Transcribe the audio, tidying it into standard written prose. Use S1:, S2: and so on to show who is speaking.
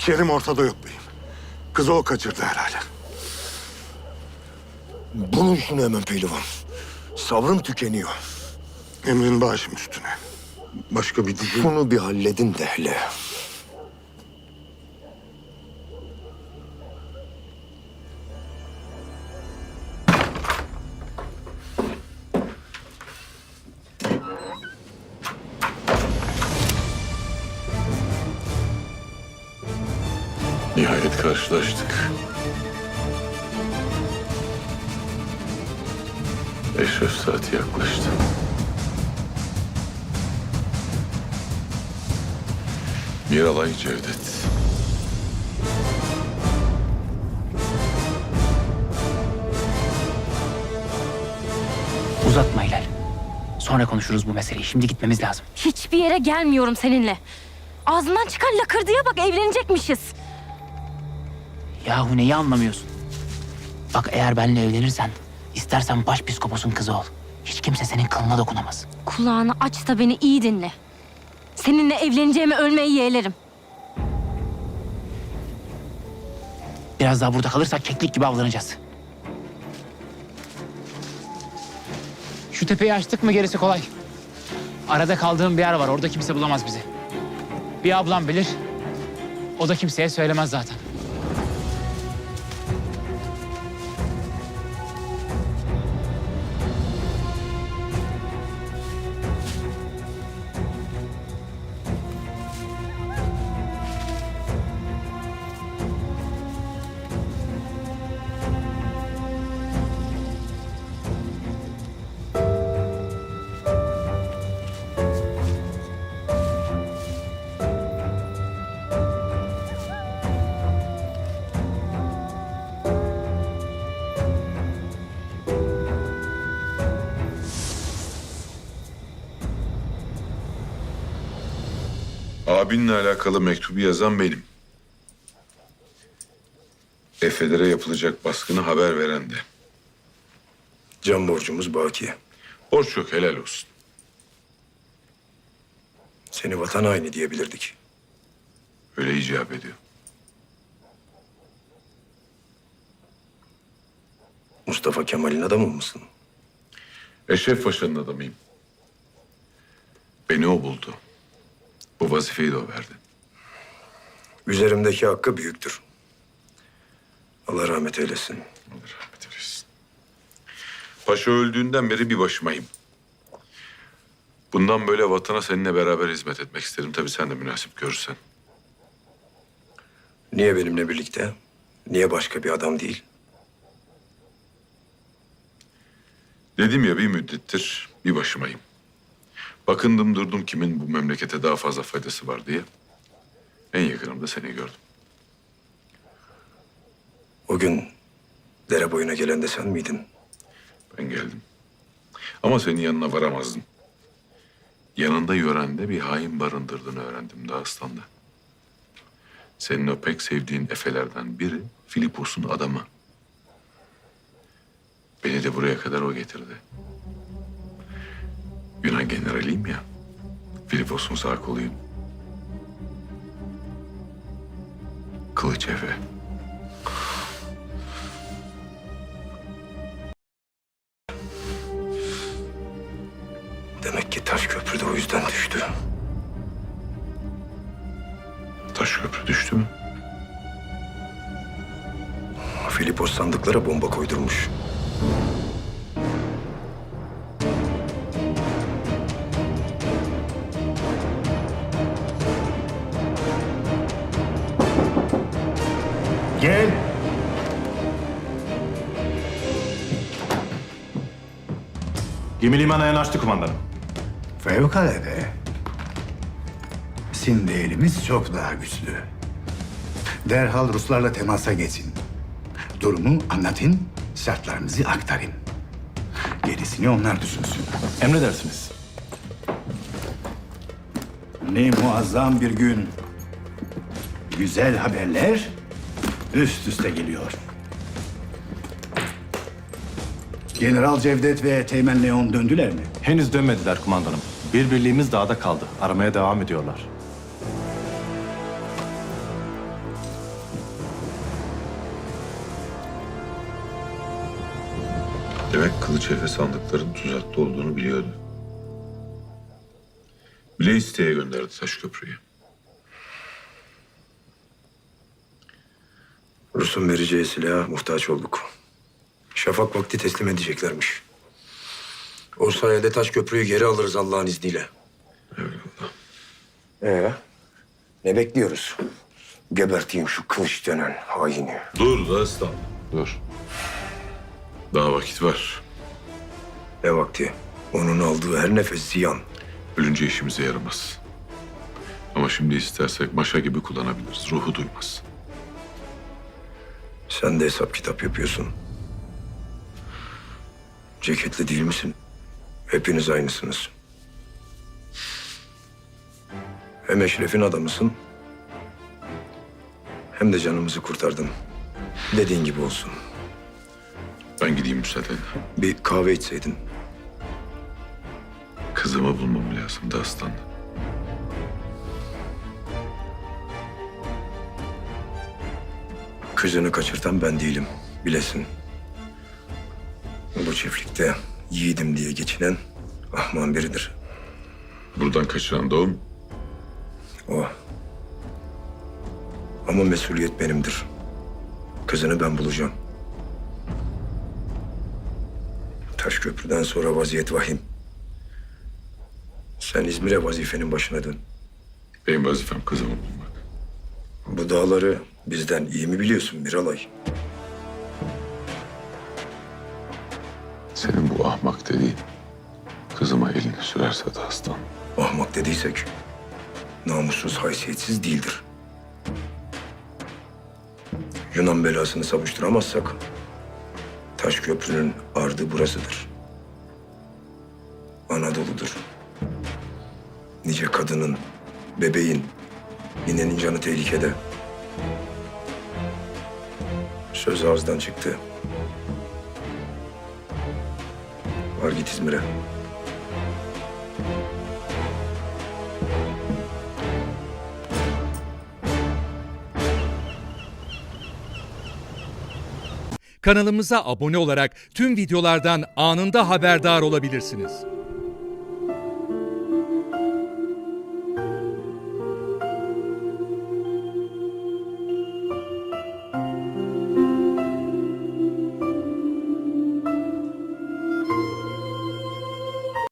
S1: Kerim ortada yok beyim. Kızı o kaçırdı herhalde.
S2: Bulun şunu hemen pehlivan. Sabrım tükeniyor.
S1: Emrin başım üstüne. Başka bir diyeceğim.
S2: Şunu bir halledin de hele.
S3: Nihayet karşılaştık. Eşref saati yaklaştı. Miralay Cevdet.
S4: Uzatma Hilal. Sonra konuşuruz bu meseleyi. Şimdi gitmemiz lazım.
S5: Hiçbir yere gelmiyorum seninle. Ağzından çıkan lakırdıya bak, evlenecekmişiz.
S4: Yahu neyi anlamıyorsun? Bak eğer benimle evlenirsen, istersen başpiskoposun kızı ol. Hiç kimse senin kılına dokunamaz.
S5: Kulağını aç da beni iyi dinle. Seninle evleneceğime ölmeyi yeğlerim.
S4: Biraz daha burada kalırsak keklik gibi avlanacağız. Şu tepeyi açtık mı gerisi kolay. Arada kaldığım bir yer var. Orada kimse bulamaz bizi. Bir ablam bilir. O da kimseye söylemez zaten.
S3: Abinle alakalı mektubu yazan benim. Efelere yapılacak baskını haber veren de.
S2: Can borcumuz baki.
S3: Borç yok, helal olsun.
S2: Seni vatan haini diyebilirdik.
S3: Öyle icap ediyor.
S2: Mustafa Kemal'in adamı mısın?
S3: Eşref Paşa'nın adamıyım. Beni o buldu. Bu vazifeyi de o verdi.
S2: Üzerimdeki hakkı büyüktür. Allah rahmet eylesin.
S3: Allah rahmet eylesin. Paşa öldüğünden beri bir başımayım. Bundan böyle vatana seninle beraber hizmet etmek isterim. Tabii sen de münasip görürsen.
S2: Niye benimle birlikte? Niye başka bir adam değil?
S3: Dedim ya bir müddettir bir başımayım. Bakındım durdum kimin bu memlekete daha fazla faydası var diye. En yakınımda seni gördüm.
S2: O gün dere boyuna gelen de sen miydin?
S3: Ben geldim. Ama senin yanına varamazdım. Yanında yörende bir hain barındırdığını öğrendim Dağıstan'da. Senin o pek sevdiğin efelerden biri Filipos'un adamı. Beni de buraya kadar o getirdi. Yunan generaliyim ya. Filipos'un sağ koluyum. Kılıç Efe.
S2: Demek ki taş köprü de o yüzden düştü.
S3: Taş köprü düştü mü?
S2: Filipos sandıklara bomba koydurmuş.
S6: Gel. Gemi limana yanaştı kumandanım.
S7: Fevkalade. Bizim değerimiz çok daha güçlü. Derhal Ruslarla temasa geçin. Durumu anlatın, şartlarınızı aktarın. Gerisini onlar düşünsün.
S6: Emredersiniz.
S7: Ne muazzam bir gün. Güzel haberler üst üste geliyor. General Cevdet ve Teğmen Leon döndüler mi?
S6: Henüz dönmediler kumandanım. Bir birliğimiz dağda kaldı. Aramaya devam ediyorlar.
S3: Demek Kılıç Efe sandıkların tuzaklı olduğunu biliyordu. Bile isteye gönderdi Taşköprü'yü.
S2: Rus'un vereceği silaha muhtaç olduk. Şafak vakti teslim edeceklermiş. O sayede Taşköprü'yü geri alırız Allah'ın izniyle.
S3: Eyvallah.
S2: Ne bekliyoruz? Geberteyim şu kılıç denen haini.
S3: Dur Dağıstan. Dur. Daha vakit var.
S2: Ne vakti? Onun aldığı her nefes ziyan.
S3: Ölünce işimize yaramaz. Ama şimdi istersek maşa gibi kullanabiliriz. Ruhu duymaz.
S2: Sen de hesap kitap yapıyorsun. Ceketli değil misin? Hepiniz aynısınız. Hem Eşref'in adamısın, hem de canımızı kurtardın. Dediğin gibi olsun.
S3: Ben gideyim müsaadenle.
S2: Bir kahve içseydin.
S3: Kızımı bulmam lazım Dağıstan.
S2: Kızını kaçırtan ben değilim, bilesin. Bu çiftlikte yiğidim diye geçinen ahman biridir.
S3: Buradan kaçıran doğum.
S2: O. Ama mesuliyet benimdir. Kızını ben bulacağım. Taşköprü'den sonra vaziyet vahim. Sen İzmir'e vazifenin başına dön.
S3: Benim vazifem kızımı bulmak.
S2: Bu dağları bizden iyi mi biliyorsun Miralay?
S3: Senin bu ahmak dediğin kızıma elini sürerse Dağıstan.
S2: Ahmak dediysek namussuz, haysiyetsiz değildir. Yunan belasını savuşturamazsak Taşköprü'nün ardı burasıdır. Anadolu'dur. Nice kadının, bebeğin, ninenin canı tehlikede. Söz ağızdan çıktı. Var git İzmir'e.
S8: Kanalımıza abone olarak tüm videolardan anında haberdar olabilirsiniz.